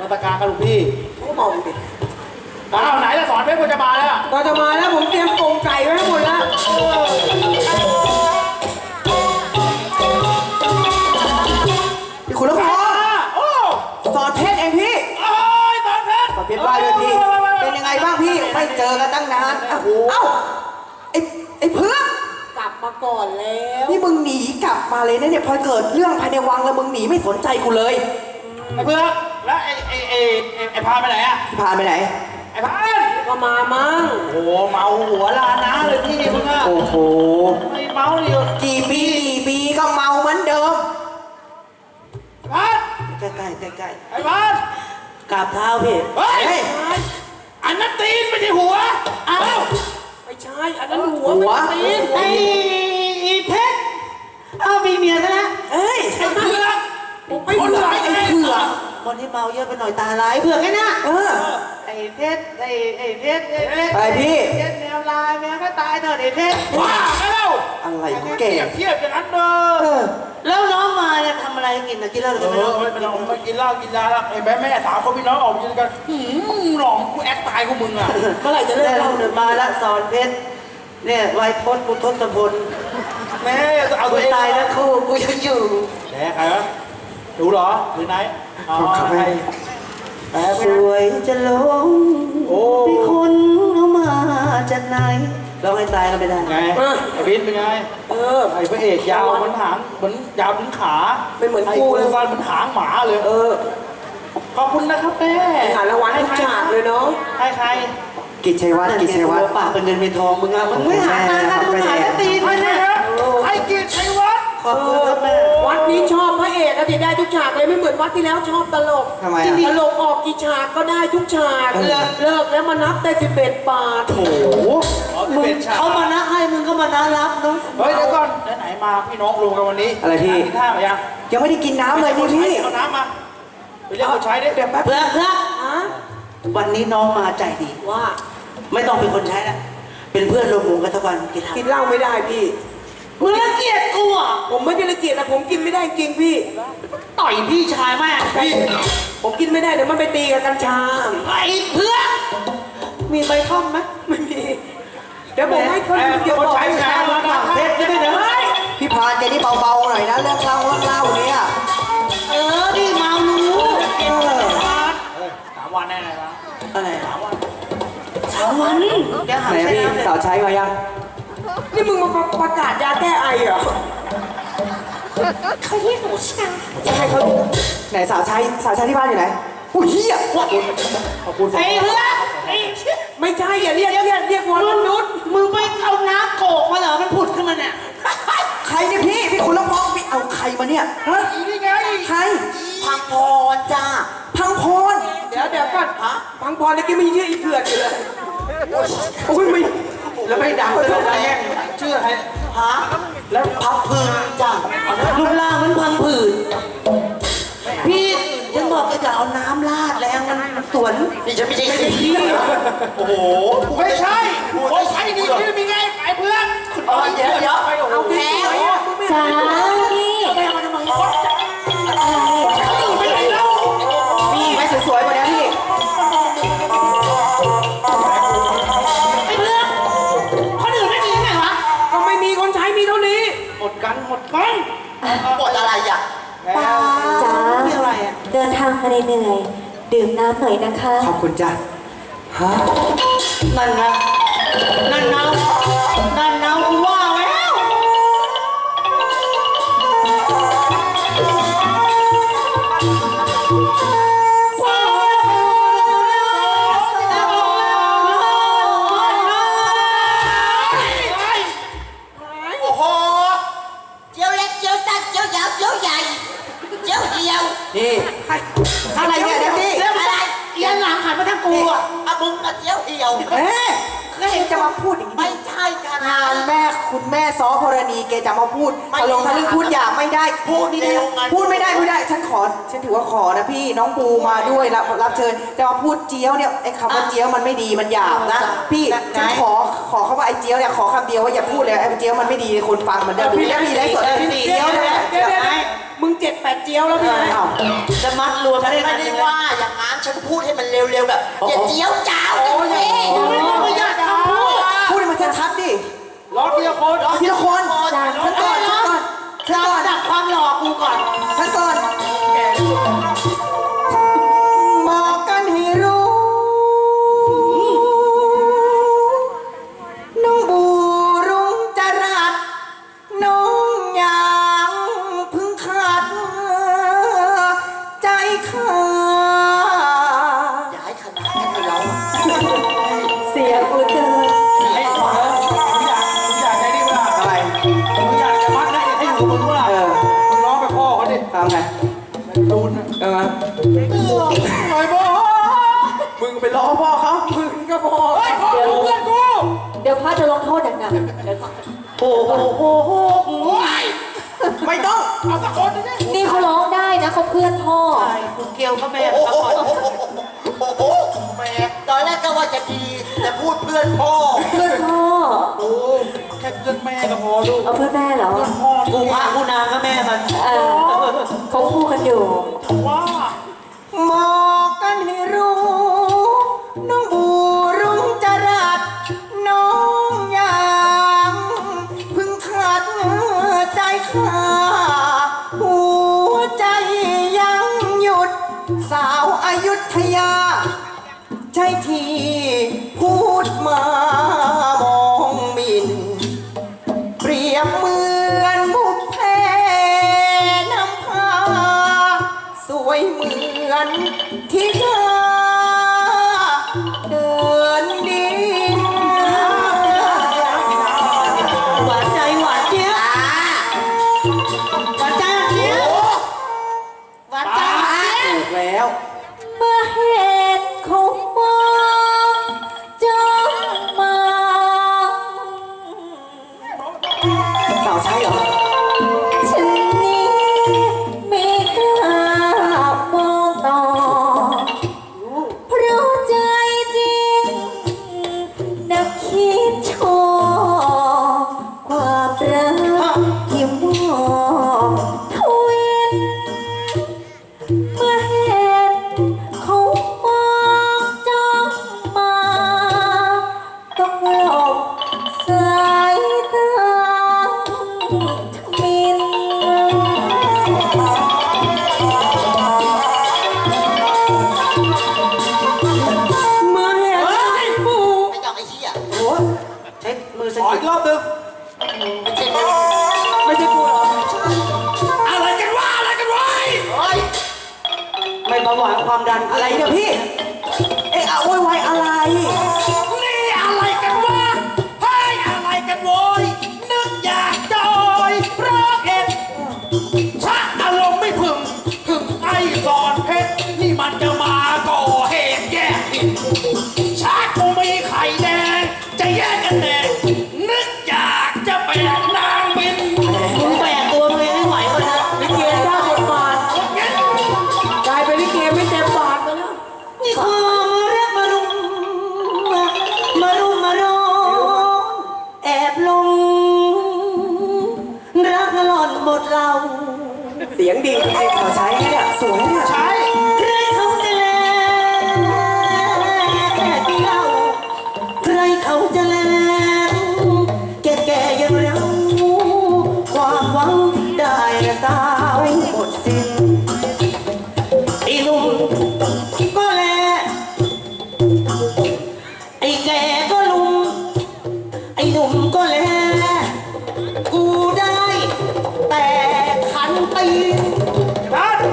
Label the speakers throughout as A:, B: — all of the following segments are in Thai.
A: รัตการกับลูกพี่
B: เขาก็มองดิ
A: อ้าวไหนละสอนเพชรกูจะมาแล้ว
B: ก็จะมาแล้วผมเตรียมกรงไก่ไว้ให้หมดแล้วพี่ขุนละพอ
A: โอ้
B: สอนเพชรเองพี่
A: โอ้ยสอนเพชร
B: สอนเพชรว่าด้วยพี่เป็นยังไงบ้างพี่ไม่เจอกันตั้งนานเอ้าไอ้เพื่อน
C: กลับมาก่อนแล้ว
B: นี่มึงหนีกลับมาเลยนะเนี่ยพอเกิดเรื่องภายในวังแล้วมึงหนีไม่สนใจกูเลย
A: ไอ้เพื่อนแล้วไอ้พาไปไหนอะ
B: พี่พานไปไหน
A: ไอ้พาน
C: ก็มามั้ง
A: โอ้โหเมาหัวลาน้าเลยพี่มึงอะ
B: โอ้โห
A: ไม่เมาดิ
B: กี่ปีก็เมาเหมือนเดิม
A: พาน
C: ใกล้
A: ไอ้พาน
C: กราบเท้าพี่
A: เฮ้ยอันนั้นตีนไม่ใช่หัวอ้าว
C: ไม่ใช่อันนั้นหัว
B: หัว
C: ไม่ใช่ตีน
D: ไอ้เพชรเอามีเมียซะแล้ว
B: เอ้ย
A: ไอ้เพื่อน
B: ไอ้เผือกไอ้เผือก
D: คนที่เมาเยอะไปหน่อยตาลายเผื่อแค่น่ะ
B: เออ
D: ไอ้เพชรไอ้เพชร
B: อะไรพี่
D: เพชรแมวลายแมวก็ตายเถอะไอ้เพชร
A: ว้าไปแล้ว
B: อะไรของ
A: เก
B: แก
A: เทียบอย่างนั้นเด้
B: เอ
A: อ
B: อ
D: แล้วน้องมาเนี่ยทำอะไรกินนะกินเหล้าหรือ
A: เอ
D: ไม่น้อง
A: อไม่ต้องมากินเหล้ากินยาแล้วไอ้แม่สาวเขาพี่น้องออกยืนกันหลองกูแอคตายของมึงอ่ะ
C: เมื่อไหร่จะเลิ
D: แล้
C: ก
D: ว
C: เล่า
D: เดินมาละสอนเพชรเนี่ยไวพจน์พุทธพล
A: แม่เอา
D: กู
A: ตัวเอง
D: ตายแล้วคู่กูยังอยู่
A: แหมใครวะดูเหรอหรือไหนอ๋อใครแหม
D: สวยจะลง
A: โอ้
D: พี่คนเอามาจากไหนร้องให้ตายก็ไม่ได้
A: ไงไอ้บินเป็นไงไอ้พระเอกยาวเหมือนหางเหมือนยาวถึงขา
B: เป็นเหมือน
A: ไอ้
B: กู
A: กู
B: เลย
A: ฟันเหมือนหางหมาเลยขอบคุณนะครับแม่
B: หารางวัลให้ทุกฉากเลยเนาะ
A: ให้ใคร
B: กิจชัยวัฒน์กิจชัยวัฒน์
D: ปากเป็นเงินเป็นทองมึงอะมึงไม่หาทางมึงหาแต่ตีน
A: ให้
D: เลย
A: ใคร
D: นะครับ
A: ให้เกียรติชัยวัฒน์
D: ขอบคุณครับแม่
C: วัดนี้ชอบพระเอกอะที่ได้ทุกฉากเลยไม่เหมือนวัดที่แล้วชอบตลก
B: ทำไมอ่ะ
C: ตลกออกกี่ฉากก็ได้ทุกฉาก
B: เออ
C: เลิกแล้วมานับได้11 บาท
B: โอ้โห
D: มึงเขามานะให้มึงก็มานะรับเนาะ
A: เฮ้ยเดี๋ยวก่อนไหนๆมาพี่น้องรวมกันวันนี้
B: อะไรพี่
A: กินข้าวมายัง
B: ยังไม่ได้กินน้ำเลยนี่พี่
A: เอาน้ำมาไปเรียกคนใช้ดิ
B: เดี๋ยวแป๊บ
D: เพื่อน
C: ฮะ
D: วันนี้น้องมาใจดี
C: ว่า
D: ไม่ต้องเป็นคนใช้แล้วเป็นเพื่อนรวมวงกันทุกวันกิน
B: กินเหล้าไม่ได้พี่
D: มึงรังเกียจกูอ่ะ
C: ผมไม่ได้รังเกียจนะผมกินไม่ได้จริงพี่
D: ต่อยพี่ชายแม่
C: พี่ผมกินไม่ได้เดี๋ยวมันไปตีกับกัญชา
D: ไอ้เพื่อนมีใบท่อมไหม
C: ไม่มีเดี๋ยวผมให้คน
A: เดี๋ยวคนใช้แชร์มานะ
D: เพชรจะได้เดี๋ยว
B: พี่พานแกนี่เบาๆหน่อยนะเรื่องเหล้าเนี่ย
D: ดิเมารู้
A: 3 วันแน่เลยนะ
D: อะไร3 วันแกหา
B: ไหน
D: ใช้
B: พี่
D: น้ำ
B: สาวใช้มายัง
C: นี่มึงมาประกาศยาแก้ไอเหรอ
D: เขาเรียกหนูช่าง
C: จะให้เขาดู
B: ไหนสาวใช้ที่บ้านอยู่ไหนอุ้ยเฮีย
A: ขอบคุณ
D: ไอ้เพื่อนไอ้
C: ไม่ใช่อย่าเรียกวอนมนุษย์
D: มึงไปเอาน้ำโกกมาเหรอมันผุดขึ้นมาเนี่ย
B: ใครเนี่ยพี่คุณละพองพี่เอาใครมาเนี่ยฮะ
A: นี่ไง
B: ใคร
D: พังพรจ้า
B: พังพร
C: เดี๋ยวก่อนพังพรแล้วก็มีชื่ออีเถื่อนอยู่เลยโอ้ยไม่
D: แล้วไม่ดังเลยนะแย่ง
A: ชื่ออะไร
D: ฮะแล้วพับผืนจ้ารูปร่างมันพังผืนพี่ฉันบอกก็จะเอาน้ำราดแรงมันสวนนี่จะไม่ใช่ขี้
A: โอ้โหไม่ใช่คนใช้นี่ชื่อมีไงไอ้เพื่อน
D: เดี๋ยว
C: เอาแพ้
E: จ้าพี่
D: แม่มาทำไม
A: ไม่ไหนแล้ว
B: มีไหมสวยๆกว่านี้พี่
D: ไอ้เพื่อนคนอื่นไม่มียังไงวะ
C: ก็ไม่มีคนใช้มีเท่านี้
A: หมดกัน
D: หมดอะไรอ่ะ
E: ป้าจ้า
D: มีอะไรอ่ะ
E: เดินทางมาเหนื่อยๆดื่มน้ำหน่อยนะคะ
B: ขอบคุณจ้ะฮะ
D: นั่นไงนั่นเนากูว่าแล้ว
F: โอ้โหเจียวเล็กเจียวสั้นเจียวยาวเจียวใหญ่เจียวเดียว
B: นี่อะไรเนี่ยเด็กพี่
D: เรื่องอะไรเอียงหลังหันมาทางกูอ่ะ
F: อะมึงอะเจียวเดียว
B: เอ๊ะก็เห็นจะมาพูดอย่างนี้
F: ไม่ใช่ค่ะ
B: งานแม่คุณแม่ซ้อพรณีแกจะมาพูดทะลงทะลึ่งพูดหยาบไม่ได้
F: พูดเร็วไง
B: พูดไม่ได้ฉันถือว่าขอนะพี่น้องปูมาด้วยรับเชิญจะมาพูดเจี๊ยวเนี่ยไอ้คำว่าเจี๊ยวมันไม่ดีมันหยาบนะพี่ฉันขอเขาว่าไอ้เจี๊ยวเนี่ยขอคำเดียวว่าอย่าพูดเลยไอ้เจี๊ยวมันไม่ดีคนฟังมันจะดูแล้วมีไรสดเจี๊ยวเนี่ย
C: เดี๋ยวมึง7-8เจียวแล้วพี่
B: อ้าว
D: จะมัดรวม
F: ฉัน
D: ได้
F: ไม่
D: ไง
F: ได้ว่าอย่างนั้นฉันพูดให้มันเร็วๆแบบอย่าเจียวจ้าวกันสิ
A: ไม่อยากจะพูด
B: พูดให้มันชัดๆดิ
A: ร้องทีละคน
B: ทีละคน
E: จ้า
B: ฉันก่อนฉันก่อนฉันก่อน
D: ดับความหล่อกูก่อน
B: ฉันก่อนบอกกันให้รู้น้องบูรุงจรัสน้องยังเพึ่งขาดใจขาด
F: อย่าให้ขนาดนั้นกับเรา
E: เสียกูเจอ
A: ไอ้ขวามึงอยากใจนี่เวลา
B: อะไร
A: มึงอยากจะมัดให้อยู่กับมึงเวลา
B: เออ
A: มึงร้องไปพ่อเขาดิ
B: ทำไง
A: รูนนะ
B: เออ
A: หน่อยพ่อ
B: มึงไปล้อพ่อเขามึงก็พ่อ
A: เฮ้ยพ่อกูเพื่อนกู
E: เดี๋ยวพระจะลงโทษหนักๆเดี๋ยว
D: โอ้โห
A: โอ้ย
B: ไม่ต้อง
A: เอาสักคนนึง
E: นี่เขาร้องได้นะเขาเพื่อนพ่อ
D: ใช่กูเกลียวก็แม่
F: โอ้
D: มา
F: โห
D: ก่อน
F: โอ้โหแม่ตอนแรกก็ว่าจะดี แต่พูดเพื่อนพ่อ
E: เพื่อนพ่อ
A: โอ้แค่เพื่อนแม่ก็พอลูก
E: เอาเพื่อนแม่เหรอ
A: เพื่อนพ่อ
D: กูพระกูนางก็แม่มัน
E: เขาคู่กันอยู่
A: ว่า
B: บอกกันให้รู้น้องบูรุงจรัสน้องยังเพึ่งขาดใจขาหัวใจยังหยุดสาวอายุทยา ใจที่พูดมามองหมิน เปรียบเหมือนบุพเพนำพา สวยเหมือนที่เธอเดินดิน
D: หวานใจหวานเจี๊ยบหวานใจเจี๊ยบหวานใจ
B: ถูกแล้ว
E: เมื่อเห็นเขามองจ้องมอง
B: สาวใช่เหรอ
E: ฉันนี้ไม่กล้ามองต่อ เพราะใจจริงนักคิดชอบความรักที่มองทวิน เมื่อเห็นเขามองจ้องมาต้องหลบสายตาทมิน
B: เมื่อเห็นบู
F: ไม่ยอมไอ้เหี้ย
B: โอ้
D: ใช้มือสะ
A: ขอ
D: กิ
A: อี
D: ด
A: กรอบหนึง
F: ไม่ใช่มึง
B: ไม่ใช่กูเหรอ
A: อะไรกันวะอะไรกันวะ
F: เฮ้ย
D: ไม่เบาหวานความดัน
B: อะไรเนี่ยพี่ เอ๊ะโวยวายอะไร
A: นี่อะไรกันวะเฮ้ยอะไรกันโวยนึกอยากจอยเพราะเอ็ดชักอารมณ์ไม่พึงถึงไอ้สอนเพชรนี่มันจะมาก่อเหตุแยกผิดชักกูมีไข่แดงจะแยกกันแน่นึกอยากจะแบกนางบิน
D: มึงแบกตัวมึงเองไม่ไหววะนะ
C: ลิเกเจ้าบทบาท
A: เงี้ย
C: กลายเป็นลิเกไม่เต็มบาทไปแล้ว
D: นี่ความรักมารุมมารุมมารุมแอบลงรักหล่อนหมดเรา
B: เสียงดีสาวใช้เนี่ยสวยเนี่ย
A: ใช่
D: ใครเขาจะแลแก่เดียวใครเขาจะแลแก่แก่ๆอย่างเราความหวังได้สาวหมดสิ้นไอ้หนุ่มก็แลไอ้แก่ก็ลุมไอ้หนุ่มก็แลกูได้แต่ขันตีน
A: นั่น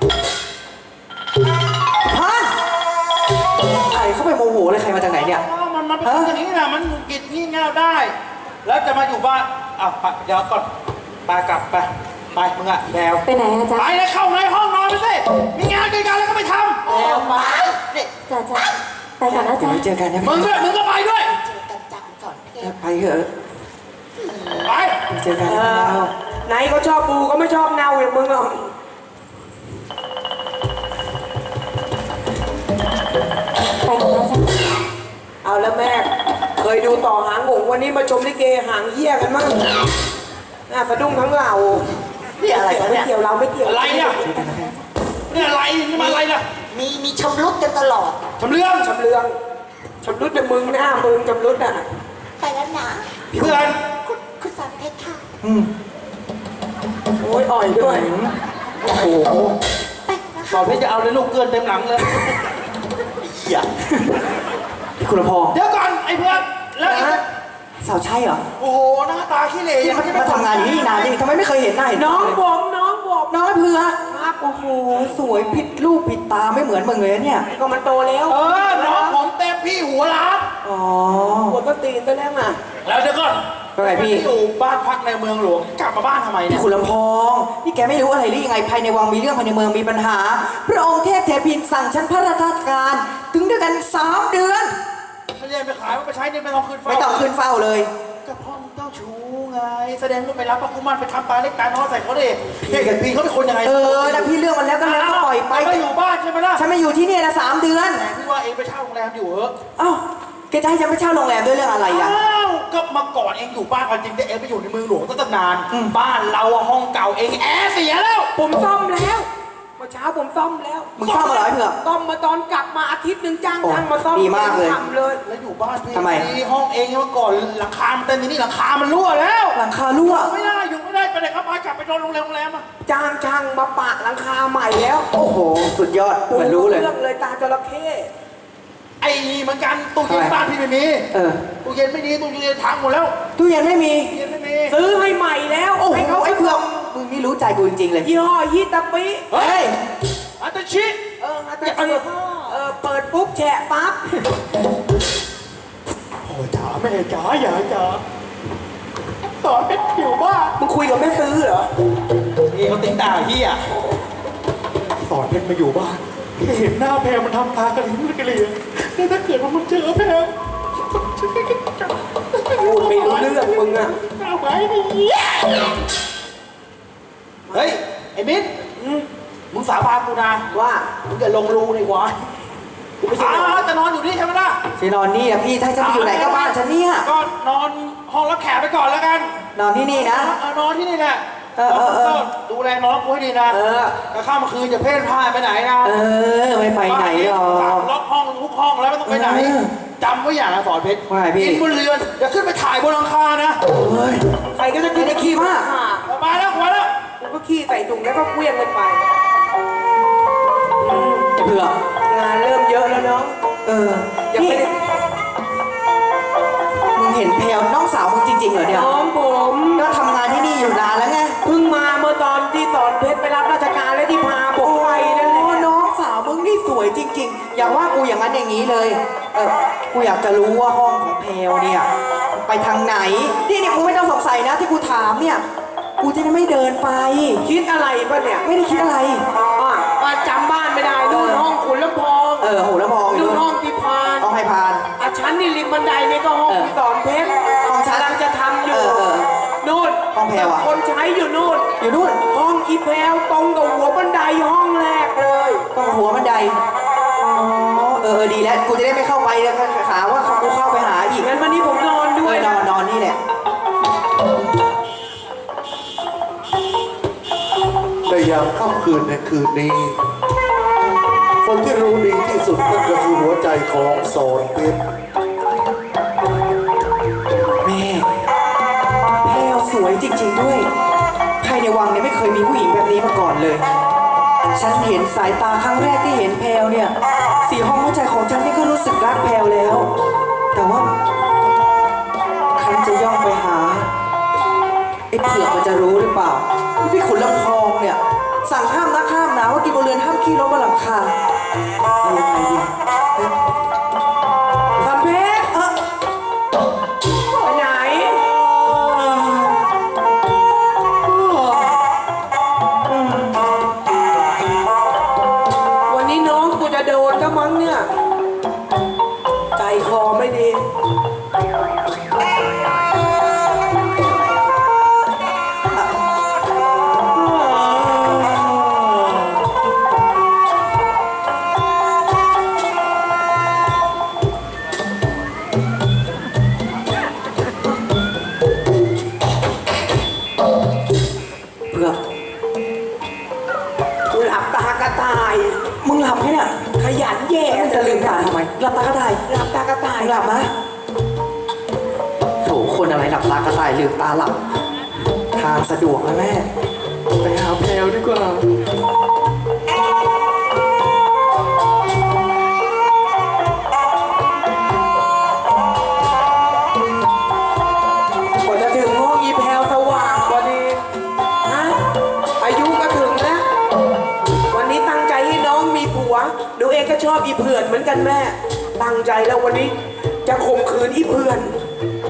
B: ฮะไอ้เขาไปโมโหเลยใครมาจากไหนเนี่ย
A: มันเป็นอย่างนี้นะมันกิดงี่เง่าได้ แล้วจะมาอยู่บ้านอ้าวไปเดี๋ยวก่อนไปกลับไปไปมึงอะแดว
E: ไปไหนอะจ๊ะ
A: ไปเลยเข้าในห้องนอนไปสิมีงานกินกันแล้วก็ไปท
F: แล้วมาเนี่ย
E: จ้าจ้าไปก่อนนะ
B: เดี๋ยว
E: จ๊ะ
B: ไว้เจอกันนะ
A: ำมึงด้วยมึงก็ไปด้วย
F: กันจังสอนเพชร
B: ไปเถอะ
A: ไป
B: เจอกันนะเรา
C: ไหนเขาชอบบูก็ไม่ชอบเนาอย่างมึงหรอก
E: ไปก่อนนะจ๊ะ
C: เอาแล้วแม่ เคยดูต่อหางหงวันนี้มาชมลิเกหางเหี้ยกันมั่งน่าสะดุ้งทั้งเหล่า
F: นี่อะไรกัน
C: ไม่
F: เนี่ย
C: เกี่ยวเราไม่เกี่ยว
A: อะไรเนี่ยเนี่ยอะไรนี่มาอะไรล่ะ
F: มีชำรุดกันตลอด
A: ชำเรื่อง
C: ชำเลืองชำรุดแต่มึงหน้ามึงชำรุดอ่ะ
F: ไปแล้วนะ
A: เพื่อน
F: คุณสอนเพชรค่ะ
C: โอ้ยอ่อยด้วย
A: โอ้โห
F: ไปนะ
A: สอนพี่จะเอาเลยลูกเกินเต็มหลังเลยเหี้ย
D: พี่คุณพงษ์
A: เดี๋ยวก่อนไอ้เพื่อนแล้วไอ้
D: สาวใช่เหรอ
A: โอ้โหหน้าตาขี้เหร่
D: พี่
A: ยัง
D: เขา
A: ไม่
D: จะมาทำงานอยู่นี่นานยังทำไมไม่เคยเห็นหน้าเห็น
C: น้องผมน้องผม
D: น้องเพื่อครับโอ้โหสวยผิดรูปผิดตาไม่เหมือนมึงเลยนะเนี่ย
C: ก็มันโตแล้ว
A: น้องผมเต็มพี่หัวล้าน
D: อ๋อ
C: หัวต้นตีนตัวแล้วอ่ะ
A: แล้วเดี๋ยวก่อน
D: ก็ไงพี่
A: อยู่บ้านพักในเมืองหลวงกลับมาบ้านทำไมเนี่
D: พี่
A: ย
D: คุณลำพองนี่แกไม่รู้อะไรหรือยังไงภายในวังมีเรื่องภายในเมืองมีปัญหา พระองค์เทพเทพินสั่งฉันพระราชการถึงด้วยกัน3 เดือน
A: ไม่ได้ไปขายมันไปใช้เนี่ยไม่ต้องคืนเฝ้า
D: ไม่ต้องขึ้นเฝ้าเลย
A: ก็พ่อมึงเจ้าชู้ไงแสดงว่าไปรับพระกุมารไปทำตาเล็กตาน้อยใส่เขาดิเฮ้ยพี่เขาเป็นคนยังไง
D: นะพี่เรื่องมันแล้วก็แล้วก็ปล่อยไป
A: ไม่อยู่บ้านใช่ไหมล่ะ
D: ฉันมาอยู่ที่เนี่ยนะ3 เดือน
A: แต่พี่ว่าเองไปเช่าโรงแรมอยู่เหรอ
D: เอ้าแกจะให้ฉันไปเช่าโรงแรมด้วยเรื่องอะไรอ่ะ
A: อ้าวก็มาก่อนเองอยู่บ้านกันจริงแต่เองไปอยู่ในเมืองหลวงตั้งนาน บ้านเราอะห้องเก่าเองแอร์เสียแล้ว
C: ผมซ่อมแล้วเมื่อเช้าผมซ่อมแล้ว
D: มึงซ่อมมาเหรอไอ้เผือก
C: ซ่อมมาตอนกลับมาอาทิตย์หนึ่งจ้าง
D: โอ้
C: ช่างมาซ่อม
D: ดีมากเลย
C: ทำเลย
A: แล้วอยู่บ้านพี่
D: ทำไม
A: ดีห้องเองเมื่อก่อนหลังคามันเต็มทีนี้หลังคามันรั่วแล้ว
D: หลังคารั่ว
A: ไม่ได้อยู่ไม่ได้ไปไหนครับไปกลับไปนอนโรงแรมอะ
C: จ้างช่างมาปะหลังคาใหม่แล้ว
D: โอ้โห สุดยอดเหมือนรู้เลย
C: เรื่องเลยตาจระเข้
A: ไอ้นี่เหมือนกันตู้เย็น
D: ทำไม
A: บ้านพี่ไม่มี
D: เออ
A: ตู้เย็นไม่ดีตู้เย็นพังหมดแล้ว
D: ตู้เย็นไม่มี
A: ตู้เย็นไม่มี
C: ซื้อให้ใหม่แล้ว
D: โอ้โห
C: ให้เขา
D: ไอ้เผือกมึงนี่รู้ใจกูจริงๆเลย
C: ยี่ห้อยิตาปิ
A: เฮ้ยอัตชิ
C: อาจารย์เปิดปุ๊บแฉะปั๊บ
A: โอ้จ๋าแม่จ๋าอย่าจ๋าตอนเป็นอยู่บ้าน
C: มึงคุยกับแม่ซื้อเหรอ
A: นี่เขาติ๊งตาเฮียสอนเพชรมาอยู่บ้านเห็นหน้าแพรมันทำตากระลิ้นกระเหลี่ยแล้วถ้าเกิดว่ามันเจอแพร
C: พูดไม่รู้เรื่องมึงอ่ะ
A: เอาไว้ดิเฮ้ยไอ้มิ้นมึงสาบานกูนะ
C: ว่า
A: มึงจะลงรูในวะกูไม่ใช่จะนอนอยู่นี่ใช่ไหมล่ะ
D: ฉันนอนนี่นะพี่ถ้าจะไปอยู่ไหนก็บ้านฉันเนี่ย
A: ก็นอนห้องรับแขกไปก่อนแล้วกัน
D: นอนที่นี่นะ
A: นอนที่นี่แหละ
D: เออ
A: ดูแลน้องกูให้ดีนะแล้วข้ามคืนอย่าเพ่นพ่านไปไหนนะ
D: ไม่ไปไหนหรอก
A: ล็อกห้องทุกห้องแล้วไม่ต้องไปไหนจำไว้อย่างนะสอนเพชร
D: ว่าไงพี่
A: กินบนเรือนอย่าขึ้นไปถ่ายบนหลังคานะ
D: เฮ้ย
C: ใครก็จะ
D: ไม่ได้ขี้มาก
A: มาแล้วมาแล้ว
C: กูก็ขี้ใส่ถุงแล้วก็เคลี้ยงกันไป
D: ไอ้เผือก
C: งานเริ่มเยอะแล้วเนาะ
D: ยัง
C: นี่
D: ไม่ได้มึงเห็นแพลวน้องสาวมึงจริงๆเหรอเนี่ย
C: น้องผม
D: ก็ทำงานที่นี่อยู่นานแล้วไง
C: เพิ่งมาเมื่อตอนที่สอนเพชรไปรับราชการและที่พาผมไปนั่นแหละ
D: โอ้น้องสาวมึงนี่สวยจริงๆ อย่าว่ากูอย่างนั้นอย่างนี้เลย กูอยากจะรู้ว่าห้องของแพลวเนี่ย ไปทางไหน นี่กูไม่ต้องสงสัยนะที่กูถามเนี่ย กูจะได้ไม่เดินไป
C: คิดอะไรป่ะเนี่ย
D: ไม่ได้คิดอะไร
C: ว่าจำบ้านไม่ได้นู่นห้องขุนลำพอง
D: โหแล้วมองอยู่
C: นู่นห้องที่พาน
D: ห้องให้พาน
C: ชั้นนี่ริมบันไดนี่ก็ห้องที่สอนเพชร
D: ห้องชั้น
C: กำลังจะทำอยู่
D: เออ
C: นู่น
D: ห้องแพรวอะ
C: คนใช้อยู่นู่น
D: อยู่นู่น
C: ห้องอีแพรวตรงกับหัวบันไดห้องแรกเลย
D: ก็หัวบันได อ๋อ ดีแล้ว กูจะได้ไม่เข้าไปแล้วขาว่ากูเข้าไปหาอีก
C: งั้นวันนี้ผมนอนด้วย
D: นอนนี่แหละ
G: ในยามค่ำคืนในคืนนี้ คนที่รู้ดีที่สุดนั่นก็คือหัวใจของสอนเพชร
D: แม่แพลวสวยจริงๆด้วย ภายในวังเนี่ยไม่เคยมีผู้หญิงแบบนี้มาก่อนเลย ฉันเห็นสายตาครั้งแรกที่เห็นแพลวเนี่ย สีห้องหัวใจของฉันนี่ก็รู้สึกรักแพลวแล้ว แต่ว่าครั้นจะย่องไปหาไอ้เผือกมันจะรู้หรือเปล่าว่าพี่ขุนลำพองเนี่ย สั่งห้ามนักห้ามหนาว่ากินบนเรือนห้ามขี้รถบนหลังคาเอายังไงดี
C: สอนเพชรไปไหน วันนี้น้องกูจะโดนก็มั้งเนี่ย ใจคอไม่ดี
D: เผือก
C: หลับตากระต่าย
B: มึงหลับไหมเนี่ย
C: ขยันแย่
B: มึงจะลืมตาทำไม หลับตากระต่าย
C: หลับตากระต่าย
B: มึงหลับนะโถคนอะไรหลับตากระต่ายลืมตาหลับ ทางสะดวกนะแม่ ไปหาแพลวดีกว่า
C: กว่าจะถึงห้องอีแพลวสว่างพอดีฮะอายุก็ถึงแล้ว วันนี้ตั้งใจให้น้องมีผัวหนูเองก็ชอบอีเพื่อนเหมือนกันแม่ ตั้งใจแล้ววันนี้จะข่มขืนอีเพื่อน